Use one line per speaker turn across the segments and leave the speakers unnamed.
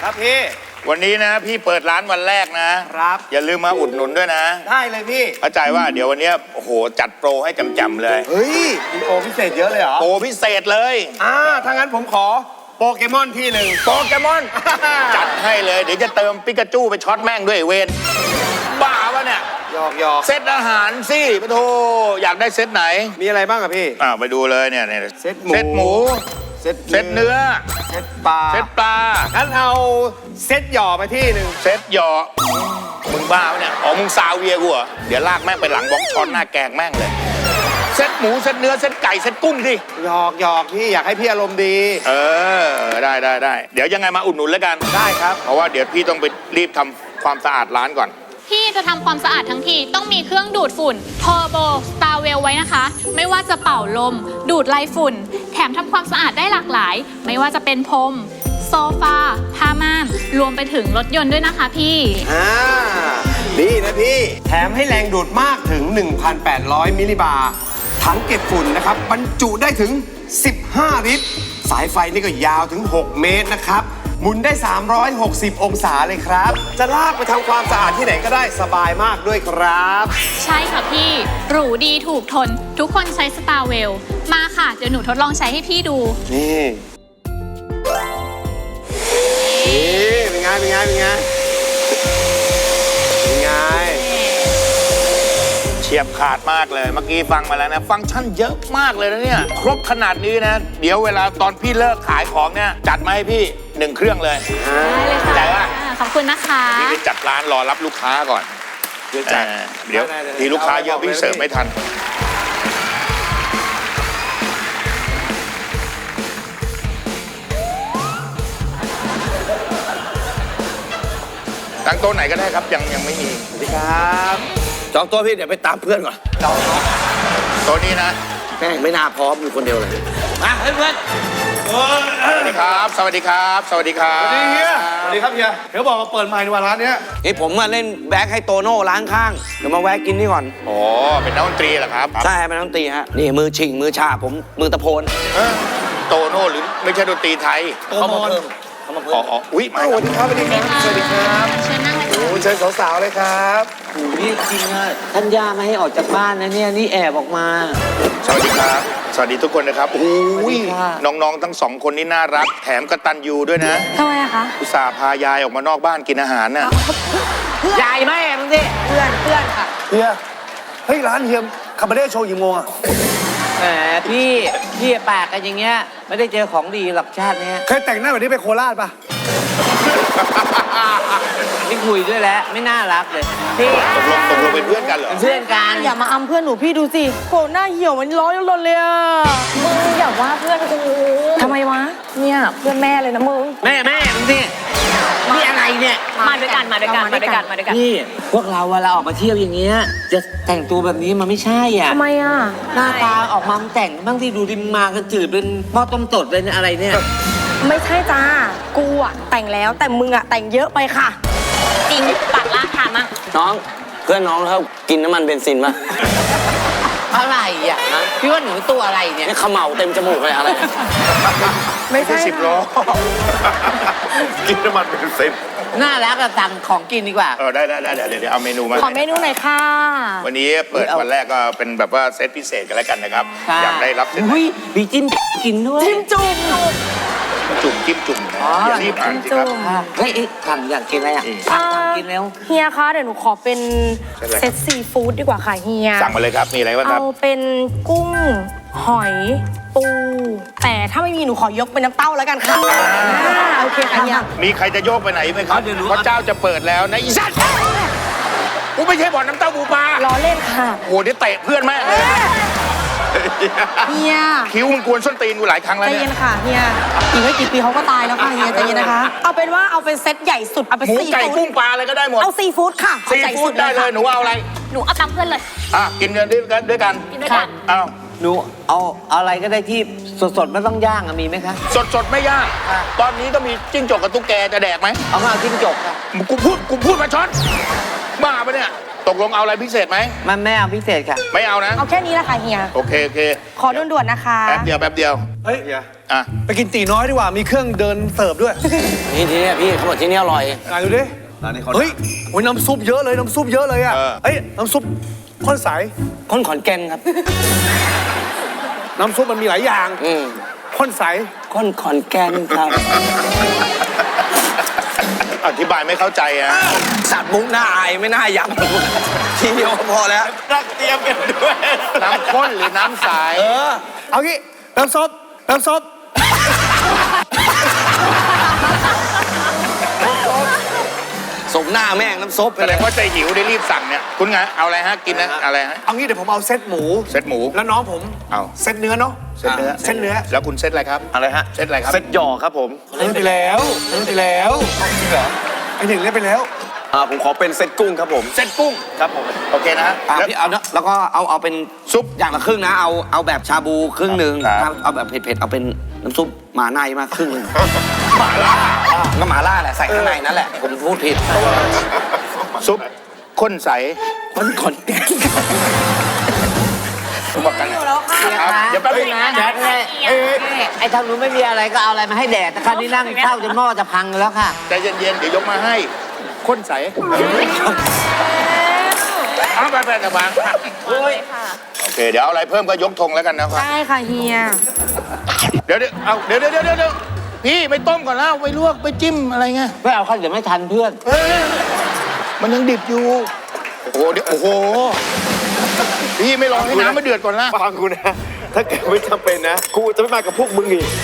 ครับพี่
วันนี้นะพี่เปิดร้านวันแรกนะครับอย่าลืมมาอุดหนุนด้วยนะ
ได้เลยพี่
เข้าใจว่าเดี๋ยววันนี้โอ้โหจัดโปรให้จำๆเลย
เฮ้ยมีโปรพิเศษเยอะเลยเหรอ
โปรพิเศษเลย
ถ้างั้นผมขอโปเกมอนที่หนึ่ง
โปเกมอน จัดให้เลยเดี๋ยวจะเติมปิกาจูไปช็อตแม่งด้วยเวนบ้าวะเนี่ย
หยอก
เซตอาหารสิปะโทอยากได้เซตไหน
มีอะไรบ้างอะพี่
ไปดูเลยเนี่ย
เซตหมู
เซตเนื้อ
เซตปลางั้นเอาเซตหย่อไปที่หนึ่ง
เซตหย่อมึงบ้าวะเนี่ยมึงซาเวียกูเหรอเดี๋ยวลากแม่งไปหลังบล็อกช้อนหน้าแกงแม่งเลยเซตหมูเซตเนื้อเซตไก่เซตกุ้งสิ
หยอกพี่อยากให้พี่อารมณ์ดี
ได้เดี๋ยวยังไงมาอุดหนุนแล้วกัน
ได้ครับ
เพราะว่าเดี๋ยวพี่ต้องไปรีบทำความสะอาดร้านก่อน
พี่จะทำความสะอาดทั้งทีต้องมีเครื่องดูดฝุ่น Turbo Starwell ไว้นะคะไม่ว่าจะเป่าลมดูดไล่ฝุ่นแถมทำความสะอาดได้หลากหลายไม่ว่าจะเป็นพรมโซฟาผ้าม่านรวมไปถึงรถยนต์ด้วยนะคะพี่
ดีนะพี่แถมให้แรงดูดมากถึง 1,800 มิลลิบาร์ถังเก็บฝุ่นนะครับบรรจุได้ถึง15 ลิตรสายไฟนี่ก็ยาวถึง6 เมตรนะครับหมุนได้360 องศาเลยครับจะลากไปทำความสะอาดที่ไหนก็ได้สบายมากด้วยครับ
ใช่ค่ะพี่หรูดีถูกทนทุกคนใช้ Starwell มาค่ะเดี๋ยวหนูทดลองใช้ให้พี่ดู
นี่เป็นไง
เฉียบขาดมากเลยเมื่อกี้ฟังมาแล้วนะฟังก์ชันเยอะมากเลยนะเนี่ยครบขนาดนี้นะเดี๋ยวเวลาตอนพี่เลิกขายของเนี่ยจัดมาให้พี่1 เครื่องเลย
ได้เลยค่ะ
ใจว่า
ขอบคุณนะคะ
พี่ไปจัดร้านรอรับลูกค้าก่อนเดี๋ยวทีลูกค้าเยอะพี่เสิร์ฟไม่ทันตั้งโต๊ะไหนก็ได้ครับยังไม่มี
สวัสดีครับจองโต๊ะพี่เดี๋ยวไปตามเพื่อนก่อนจอง
โต๊ะนี้นะ
แม่งไม่น่าพร้อมอยู่คนเดียวเลยมาเพื่อน
สวัสดีครับสวัสดีครับสวัสดีครับ
สวัสดีเฮียสวัสดีครับเฮียเดี๋ยวบอกมาเปิดใหม่ในวันร้านนี้
ผมมาเล่นแบ็คให้โตโน่ร้านข้างเดี๋ยวมาแวะกินนี่ก่อน
อ๋อเป็นนักดนตรีเหรอครับ
ใช่เป็นนักดนตรีฮะนี่มือชิงมือชาผมมือตะโพน
โตโน่หรือไม่ใช่ดนตรีไทย
เขามาเพิ่ม
อุ้ยมา
สวัสดีครับสวัสดีครับ
เชิญนั่งเลย
โอ้เชิญสาวๆเลยครับ
นี่จริงอะท่านย่าไม่ให้ออกจากบ้านนะเนี่ยนี่แอบออกมา
สวัสดีครับสวัสดีทุกคนนะครับโอ้ยน้องๆทั้ง2 คนนี่น่ารักแถมกตัญญูด้วยนะ
ทำไมอะคะ
อุตส่าห์พายายออกมานอกบ้านกินอาหารน่ะ
ยายแม่มึงสิ
เพื่อนค่ะ
เฮียเฮ้ยร้านเฮียคาบาเร่โชว์กี่โมงอะ
แหมพี่ปากกันอย่างเงี้ยไม่ได้เจอของดีหลักชาติเนี้ย
เคยแต่งหน้าแบบนี้ไปโคราชปะ
ไม่คุยด้วยแล้วไม่น่ารักเลยพี่
ตกลงเป็นเพื่อนกันเหรอ
เพื่อนกัน
อย่ามาอำเพื่อนหนูพี่ดูสิโหหน้าเหี่ยวมันร้อยลนเลยอ่ะ
มึงอย่าว่าเพื่อนกู
ทำไมวะเนี่ยเพื่อนแม่เลยนะมึง
แม่มึงสินี่อะไรเนี่ย
มาด้วยกัน
นี่พวกเราเวลาออกมาเที่ยวอย่างเงี้ยจะแต่งตัวแบบนี้มันไม่ใช่อ่ะ
ทำไมอ่ะ
หน้าตาออกมาแต่งบ้างที่ดูดิมากันจืดเป็นหม้อต้มตดเลยเนี่ยอะไรเนี่ย
ไม่ใช่จ้ากูอ่ะแต่งแล้วแต่มึงอ่ะแต่งเยอะไปค่ะ
จริงปากล่าถามอ่ะ
น้องเพื่อนน้องเขากินน้ำมันเบนซินป่ะอะไรอ่ะพี่ว่าหนูตัวอะไรเนี่ยนี่ขมเหลาเต็มจมูกเลยอะไร
ไม่ใช่
10 ล้อกินน้ำมันเป็น10
น่ารักอะสั่งของกินดีกว่า
ได้เดี๋ยวเอาเมนูมา
ขอเมนูหน่อยค่ะ
วันนี้เปิดวันแรกก็เป็นแบบว่าเซตพิเศษกันแล้วกันนะครับอยากได้รับเซต
มีจิ้มกินด้วย
จิ้มจุ่ม
อย่ารีบอ่านสิครับ
เฮ้ยทำอยากกินอะไรอ่ะกินแล้ว
เฮียคะเดี๋ยวหนูขอเป็นเซตซีฟู้ดดีกว่าค่ะเฮีย
สั่งมาเลยครับมีอะไรบ้างครับ
เอาเป็นกุ้งหอยปูแต่ถ้าไม่มีหนูขอยกเป็นน้ำเต้าแล้วกันค่ะโอเคค่ะเฮีย
มีใครจะโยกไปไหนไหมครับเพราะเจ้าจะเปิดแล้วนะอีสัตว์กูไม่ใช่บ่อนน้ำเต้าบูปลา
ล้อเล่นค่ะ
โอ้เดี๋ยวเตะเพื่อนแม่เลย
เฮีย
คิ้วมึงกวนส้นตีนกูหลายครั้งแล้ว
เนี่ยใจเย็นค่ะเฮียอีกไม่กี่ปีเขาก็ตายแล้วค่ะเฮียใจเย็นนะคะเอาเป็นว่าเอาเป็นเซตใหญ่สุดเอาเป็น
หมูไก่กุ้งปลาอะไรก็ได้หมด
เอาซีฟู้ดค่ะ
ซีฟู้ดได้เลยหนูเอาอะไร
หนูเอาตามเพื่อนเลย
กินเงินด้วยกันเอา
หนูเอาอะไรก็ได้ที่สดไม่ต้องย่างมีไหมคะ
สดไม่ย่างตอนนี้ก็มีจิ้งจกกับตุ๊กแกจะแดกไหม
เอามาจิ้งจกค่ะ
กูพูดมาช็อตบ้าปะเนี่ยตกลงเอาอะไรพิเศษไหม
มันไม่เอาพิเศษค่ะ
ไม่เอานะ
เอาแค่นี้แหละค่ะเฮีย
โอเคโอเค
ขอด่วนๆนะคะ
แป๊บเดียวแป๊บเดียว
เฮ้ย
อ่ะ
ไปกินตีน้อยดีกว่า มีเครื่องเดินเสิร์ฟด้วย
นี่ที่นี่พี่เขาบอกที่นี่อร่อย
ไหนดูดิเฮ้ยโอ้ยน้ำซุปเยอะเลย น้ำซุปเยอะเลยอ่ะเฮ้ย น้ำซุปข้นใส
คนขอนแก่นครับ
น้ำซุปมันมีหลายอย่าง ข้นใส
คนขอนแก่นครับ
อธิบายไม่เข้าใจอ่ะ
สัตว์มุกหน้าอายไม่น่ายับทีเดียวพอแล้ว
รักเตรียมกันด้วย น้ำข้นหรือน้ำใส
เอางี้ น้ำซุป น้ำซุป
สมหน้าแม่งน้ำซุป
แสดงว่าใจหิวได้รีบสั่งเนี่ย คุณไง เอาอะไรฮะ กินนะ อะไรฮะ
เอางี้เดี๋ยวผมเอาเซตหมู
เซตหมู
แล้วน้องผม
เอา
เซตเนื้อเนาะ
เซตเนื้อ
เซตเนื้อ
แล้วคุณเซตอะไรครับ
อะไรฮะ
เซตอะไรครับ
เซ็ตหยอกครับผม
เล่นไปแล้วเล่นไปแล้วจริงเหรอไอหนึ่งเล่นไปแล้ว
ผมขอเป็นเซ็ตกุ้งครับผม
เซตกุ้ง
ครับผม
โอเคนะ
พี่เอาแล้วก็เอาเป็นซุปอย่างละครึ่งนะ เอาแบบชาบูครึ่งหนึ่ง
ครับ
เอาแบบเผ็ดๆเอาเป็นน้ำซุปหมาในมาครึ่งหนึ่งหมาล่าก็หมาล่าแหละใส่ข้างในนั่นแหละ ผมพูดผิด
ซุปข้นใส
คนขอนแก่น
ผมบอกกันนะครับเดี๋ยวแป๊บนึงนะ
แดดไงไอ้ทางนู้นไม่มีอะไรก็เอาอะไรมาให้แดดแต่คราวนี้นั่งเฝ้าจนหม้อจะพังแล้วค่ะ
ใจเย็นๆ เดี๋ยวยกมาให้ ข้นใสเอาไปๆแต่วางโอเค เดี๋ยวเอาอะไรเพิ่มก็ยกธงแล้วกันนะครับ
ได้ค่ะเฮีย
เดี๋ยวเอาเดี๋ยวพี่ไม่ต้มก่อนแล้วไปลวกไปจิ้มอะไรเงี้ย
ไม่เอาค่ะเดี๋ยวไม่ทันเพื่อน
มันยังดิบอยู่ โอ้โหเดี๋ยวโอ้โห พี่ไม่รอให้น้ำมันเดือดก่อนละ
ฟังกูนะ ถ้าเกิดไม่จำเป็นนะ กูจะไม่มากับพวกมึงอีก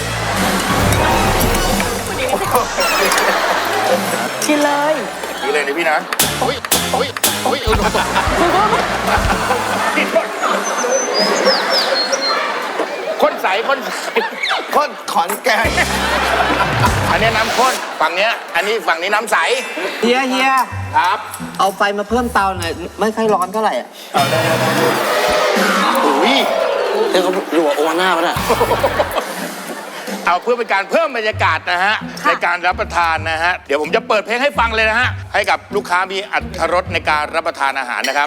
กินเลย
นี่เลยนะพี่นะโอ้ยข้นใส
ข้นขอนแก่น
อันนี้น้ำข้นฝั่งเนี้ย อันนี้ฝั่งนี้น้ำใส
เฮีย
ครับ
เอาไฟมาเพิ่มเตาหน่อยไม่ค่อยร้อนเท่าไหร่อะ
อุ้ย
เดี๋ยวเขาอยู่กับโอวาน่าปะเนี่ย
เอาเพื่อเป็นการเพิ่มบรรยากาศนะฮะในการรับประทานนะฮะเดี๋ยวผมจะเปิดเพลงให้ฟังเลยนะฮะให้กับลูกค้ามีอรรถรสในการรับประทานอาหารนะครับ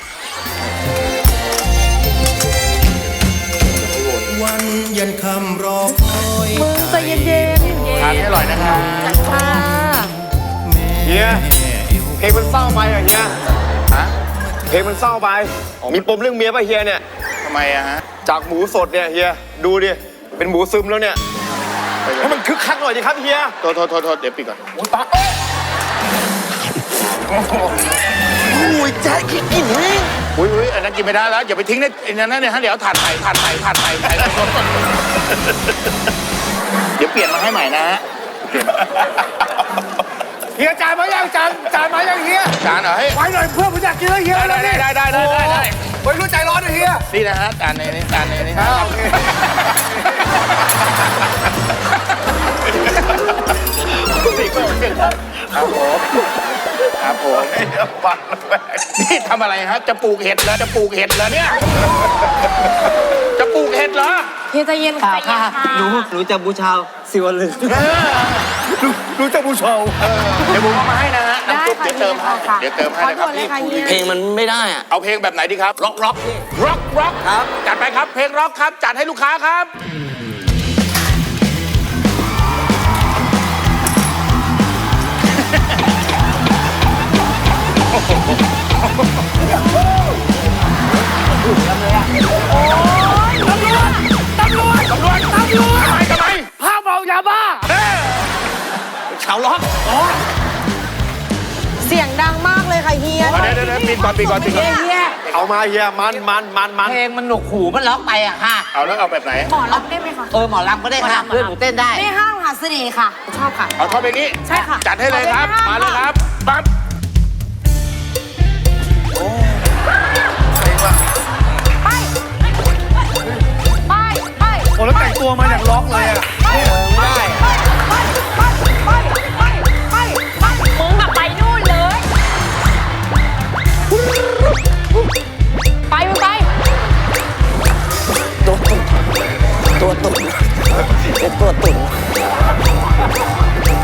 วันเย็นคำรอคอย
มึงใจเย็น
ทานให้อร่อยนะครับ
ๆค่ะ
เฮีย เพลงมันเศร้าไปอ่ะเฮีย
ฮะ
เพลงมันเศร้าไป มีปมเรื่องเมียป่ะเฮียเนี่ย
ทำไมอะฮะ
จากหมูสดเนี่ยเฮีย ดูดิ เป็นหมูซึมแล้วเนี่ยให้มันคึกคักหน่อยดิครับเฮีย
โทษเดี๋ยวปิดก่อน
อุ้ยแจ๊คกินอิ่มเลย
อุ้ยอันนั้นกินไม่ได้แล้วอย่าไปทิ้งในอันนั้นเนี่ยฮะเดี๋ยวถาดใส่เดี๋ยวเปลี่ยนมาให้ใหม่นะฮะ
เฮียจานมายังจานมายังเฮีย
จานเหรอเฮ้ย
ไว้หน่อยเพื่อนผมอยากกินแล้วเฮีย
ได้
ไว้รู้ใจร้อนนะเฮีย
นี่นะฮะจานนี้ครับ
โอเค
ครับผมนี่ทำอะไรฮะจะปลูกเห็ดเหรอเนี่ยจะปลูกเห็ดเหรอ
เฮียใจเย็น
เปล่า
ใจเย็
ค่ะ
นค่ะ
หนูจะบูชาสิวลึง
รู้จักผู้ชม
เดี๋ยวผมเอามาให้นะฮะ
ได้
น้ำซุป
ค่ะ
เดี๋ยวเติมให้นะครับ
ขอด่วนเลยค่ะเฮีย
เพลงมันไม่ได้อะ
เอาเพลงแบบไหนดีครับร็อกครับจัดไปครับเพลงร็อกครับจัดให้ลูกค้าครับ ตำรวจทำไม
ห้ามเมายาบ้า
ข่าวล็อก
เสียงดังมากเลยค่ะเฮีย
เดี๋ยวปิดก่อน
เฮีย
เอามาเฮีย มัน
เพลงมันหนวกหูมันล็อกไปอะค่ะ
เอาแล้วเอาแบบไหน
หมอรับได้ไหมคะ
หมอลำก็ได้ค่ะเพื่อนหนูเต้นได้
ไม่ห้ามค่ะเสน่ห์ค่ะ ชอบค่ะ
เอาเข้าไปนี้
ใช่ค่ะ
จัดให้เลยครับ มาเลยครับปั๊บ
ไป
โอ้แล้วแต่งตัวมาอย่างล็อกเลยอ่ะ
ไม่ได้มึงแบบไปนู่นเลย ไปมึงไป
ตัวตุ่นเป็นตัวตุ่น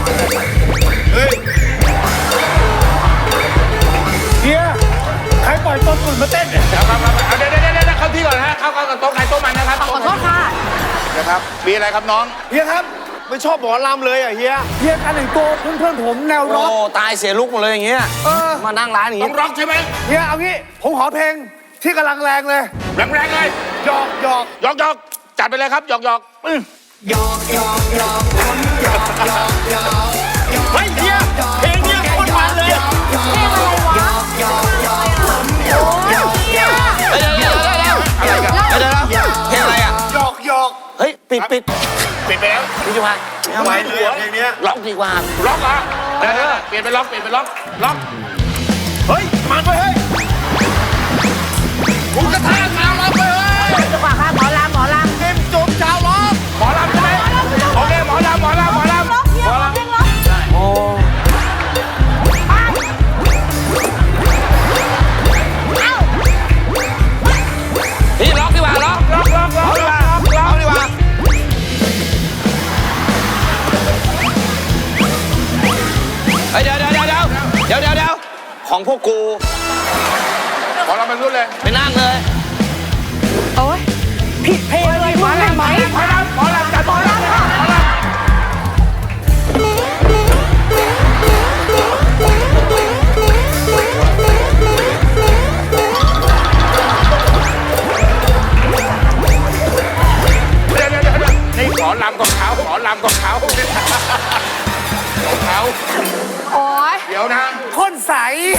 เฮีย ใครปล่อยอยต้นฝุ่นมาเต้นเนี่ย
ครับเดี๋ยวเข้าที่ก่อนนะฮะเข้ากับโต๊ะใครโต๊ะมันนะครับ
ขอโทษค่ะ
นะครับมีอะไรครับน้อง
เฮียครับไม่ชอบหมอลำเลยอ่ะเฮีย
เฮียการแต่งตัวเพื่อนๆผมแนวร็อก
โอ้ตายเสียลุกหมดเลยอย่างเงี้ยมานั่งร้านอย่าง
ต้อ
งี้
งร็อกใช่ไหม
เฮียเอางี้ผมขอเพลงที่กำลังแรงเลย
แรงๆเลย
หยอกหยอก
หยอกจัดไปเลยครับหยอกเฮ้ยเฮียเพลงเนี้ยโคตรมันเลย
อะไรกันเพลงอะไรอ่ะ
หยอกหยอก
เฮ้ยปิด
ปิดไปแล้ว
พี่จุพัน
ทำไมเลยเพลงเนี้ย
ล็อกดีกว่า
ล็อกเหรอเดี๋ยวเปลี่ยนเป็นล็อกล็อกเฮ้ยมันไปเฮ้ยกูกระทะชาวล็อกไปเฮ้ย
จังหวะค่ะหมอลำหมอลำ
เต็มจุ่มชาวล็อกหมอลำใช่ไหมโอเคหมอลำ
โอ้ พี่ล็อกดีกว่าล็อก
ล็อกดีกว่า
เฮ้ยเดี๋ยวของพวกกู
หมอลำเป็นรุ่นเลย
ไปนั่งเลย
โอ้ยผิดเพลงเลยคุณเห็นไหม
หมอลำจัดหมอลำค่ะเดี๋ยวนี่หมอลำของเขา
โอ้ย
เดี๋ยวนะ
คนใส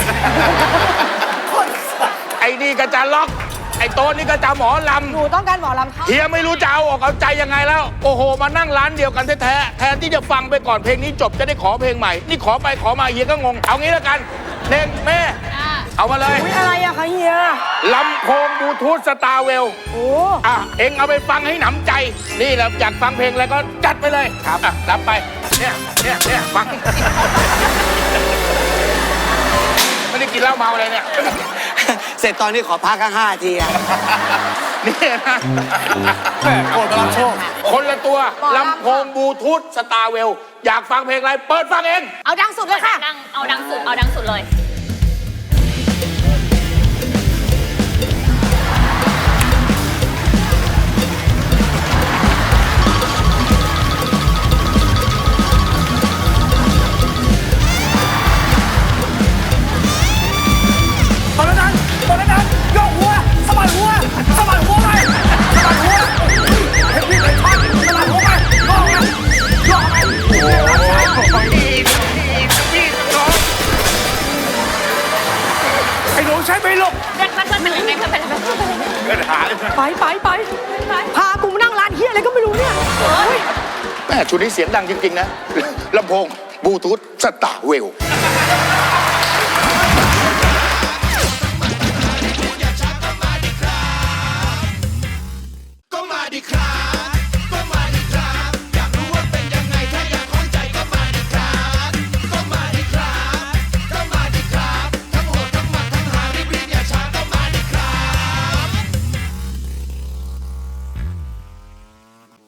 ไอ้นี่ก็จะล็อก ไอ้โต๊ะนี่ก็จะหมอล
หนูต้องการหมอลำค่ะ
ำเฮียไม่รู้จะเอาออกเอาใจยังไงแล้ว โอ้โห มานั่งร้านเดียวกันแท้ๆแทนที่จะฟังไปก่อนเพลงนี้จบจะได้ขอเพลงใหม่ นี่ขอไปขอมาเฮียก็งง เอางี้แล้วกันเน่งแม่ เอามาเลย
อุ๊ยอะไรอะคะเฮีย
ลำโพงบลูทูธสตาร์เวล
โอ้
เอ็งเอาไปฟังให้หนำใจ นี่แหละอยากฟังเพลงอะไรก็จัดไปเลยครับรับไป เนี่ยฟัง ไม่ได้กินเหล้าเมาอะไรเนี่ย
เสร็จตอนนี้ขอพักข้าง5 ทีอ่ะ
นี่นะ
แม่โกรธมารับโชค
คนละตัวลำโพงบลูทูธสตาร์เวลอยากฟังเพลงอะไร เปิดฟังเอง
เอาดังสุดเลยค่ะ
เอาดังสุดเลย
ตอนนั้นโยกหัวสะบัดหัวไปสะบัดหัวเห็นพี่ไหนช็อตสะบัดหัวไปโยกไปไอ้หนูใช้ไม่ลง
ไปพากูมานั่งร้านเฮียอะไรก็ไม่รู้เนี่ย
แม่ชุดนี้เสียงดังจริงๆนะลำโพงบลูทูธสตาร์เวล
ก็มาดิครับ